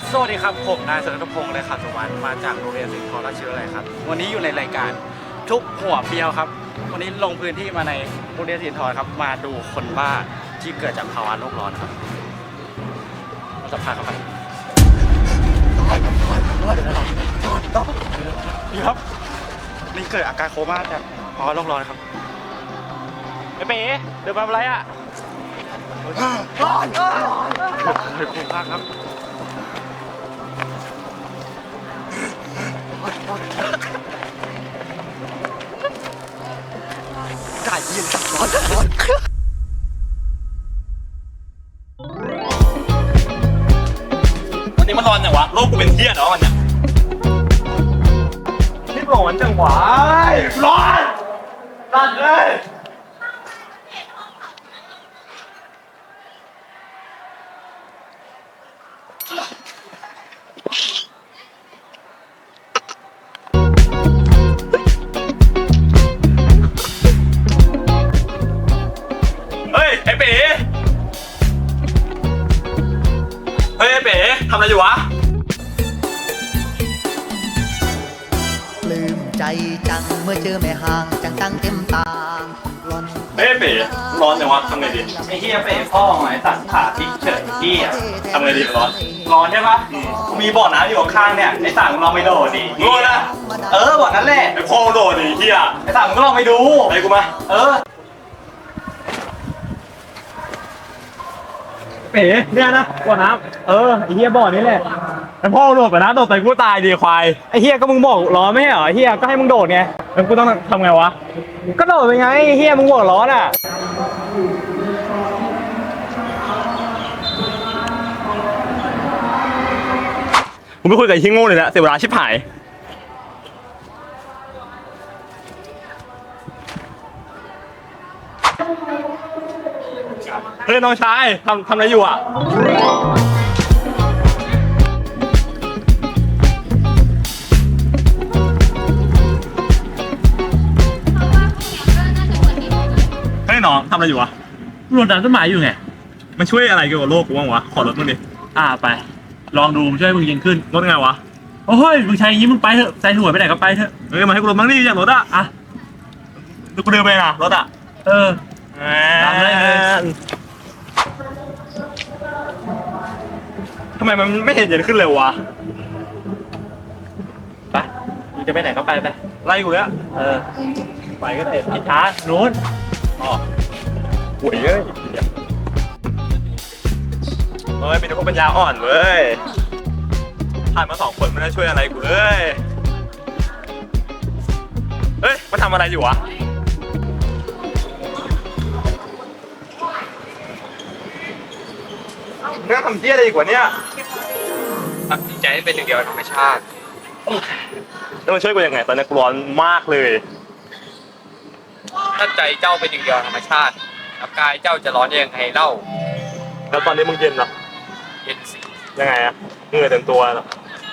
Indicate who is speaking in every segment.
Speaker 1: สวัสดีครับผมนายสรัตพงศ์เลยค่ะสุวรรณมาจากโรงเรียนสิงห์ทองราชวิทยาลัยครับวันนี้อยู่ในรายการทุกหัวเปียวครับวันนี้ลงพื้นที่มาในโรงเรียนสิงห์ทองครับมาดูคนบ้าที่เกิดจากภาวะโลกร้อนครับมาสัมภาษณ์เขาครับนี่ครับนี่เกิดอาการโคม่าจากภาวะโลกร้อนครับไอ้เป๋เดินมาอะไรอ่ะร้อนเฮ้ยคุ้มมากครับได้ยินร้อน
Speaker 2: วันนี้มันร้อนจังวะโลกกูเป็นเที่ยเนาะวันเนี้ยนี่ร้อนจังวะร้อนร้อนเลยเฮ้ยไอ้เป๋เฮ้ยไอ้เป๋ทำอะไรอยู่วะ
Speaker 3: ปลื้มใจจังเมื่อเจอแม่ห่างจังตั้งเต็มตาหล่อน
Speaker 2: เฮ้ยไอ้เป๋ร้อนจังวะทำไงดี
Speaker 4: ไอ้เหี้ยเป๋พ่อไงตัดขาพลิกเฉยเหี้ย
Speaker 2: ทำไงดีร้อน
Speaker 4: ร้อนใช่ปะมีบ่อน้ำอยู่ข้างๆเนี่ยไอ้สั่งมึงลองไปโดดดิ
Speaker 2: โง่นะ
Speaker 4: บ่อนั้นแหละ
Speaker 2: ไอ้พ่อโดดดิเฮีย
Speaker 4: ไอ้สั่งมึงก็ลองไปดู
Speaker 2: ไอ้กูมา
Speaker 4: เป๋เนี่ยนะบ่อน้ำไอ้เหี้ยบ่อนี้แหละไอ้พ่อโดดไปนะโดดไปกูตายดีควายไอ้เหี้ยก็มึงบอกร้อนไม่ใช่เหรอไอ้เหี้ยก็ให้มึงโดดไงแล้วกูต้องทำไงวะก็โดดไปไงไอ้เหี้ยมึงบอกร้อนอ่ะ
Speaker 2: กูไม่คุยกับไอ้ที่โง่เลยนะเสียเวลาชิบหายเฮ้ยน้องชายทำอะไรอยู่อ่ะเฮ้ยน้องทำอะไรอยู่วะ
Speaker 4: รดน้ำต้นไม้อยู่ไง
Speaker 2: มันช่วยอะไรเกี่ยวกับโลกกูบ้างวะขอรถมึงดิ
Speaker 4: ไปลองดูช่วยมึงยิงขึ้น
Speaker 2: รถไงวะ
Speaker 4: โอ้ยมึงใช้อย่างนี้มึงไปเถอะใส่หัวไปไหนก็ไปเถอะ
Speaker 2: เฮ้ยมาให้กูรถมั้งดิอย่างรถอ่ะ
Speaker 4: อ่ะ
Speaker 2: ดูกูเดินไปนะรถอ่ะ ตาม
Speaker 4: ได้เลย
Speaker 2: ทำไมมันไม่เห็นเย็นขึ้นเลยวะ
Speaker 4: ไปมึงจะไปไหนก็ไปไป
Speaker 2: ไล่กูแล้ว
Speaker 4: ไปก็ได้ผิดทางนู้น
Speaker 2: อ๋อหวยเลยเฮ้ยเป็นพวกปัญญาอ่อนเว้ยผ่านมา2 คนไม่ได้ช่วยอะไรกูเลยเฮ้ยมาทำอะไรอยู่วะมึงทำเที่ยอะไรอีกวะเนี่ย
Speaker 4: ตัดสินใจให้เป็นหนึ่งเดียวกับธรรมชาติ
Speaker 2: แล้วมันช่วยกูยังไงตอนนี้กูร้อนมากเลย
Speaker 4: ถ้าใจเจ้าเป็นหนึ่งเดียวกับธรรมชาติแล้วกายเจ้าจะร้อนยังไงเล่า
Speaker 2: แล้วตอนนี้มึงเย็นเหรอ
Speaker 4: เย็นสิ
Speaker 2: ยังไงอะเหงื่อเต็มตัวเหรอ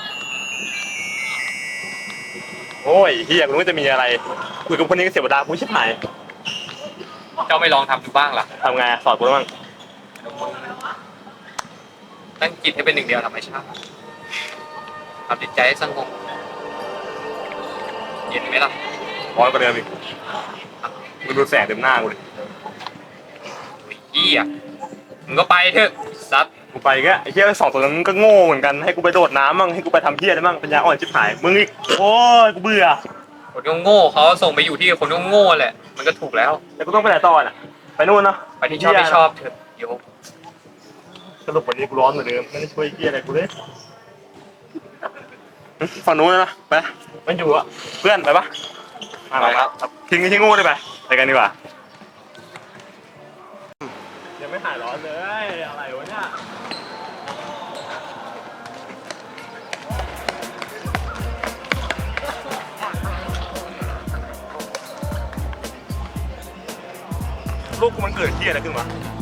Speaker 2: โอ้ยเฮียกูรู้ว่าจะมีอะไรคุยกับคนนี้ก็เสียเวลากูชิบหาย
Speaker 4: เจ้าไม่ลองทำดูบ้างล่ะ
Speaker 2: ทำไงสอนกูบ้าง
Speaker 4: ตั้งจิตให้เป็นหนึ่งเดียวกับธรรมชาติทำจิตใจให้สงบเย็นไหมล่ะ
Speaker 2: ร้อนกว่าเดิมอีกมึงดูแสงเต็มหน้ากูเลย
Speaker 4: เหี้ยมึงก็ไปเถอะซัด
Speaker 2: กูไปแค่ไอ้เฮีย2 ตัวนั้นก็โง่เหมือนกันให้กูไปโดดน้ำมั่งให้กูไปทำเฮียได้มั่งปัญญาอ่อนชิบหายมึงอีกโอ้ยกูเบื่อ
Speaker 4: คนโง่เขาส่งไปอยู่ที่คนโง่แหละ มันก็ถูกแล้ว
Speaker 2: แล้วกูต้องไปไหนต่อน่ะไปนู่นเนาะ
Speaker 4: ไปที่ชอบไม่ชอบเถอะโยก
Speaker 2: สรุปวันนี้กูร้อนเหมือนเดิมไม่ได้ช่วยเฮียอะไรกูเลยฝั่งนู้นนะไปมันอยู่อะเพื่อนไปปะไปครับทิ้งไอ้ที่โง่ได้ไปกันดีกว่ายังไม่หายร้อนเลยอะไรวะเนี่ยลูกกูมันเกิดเฮียอะไรขึ้นวะ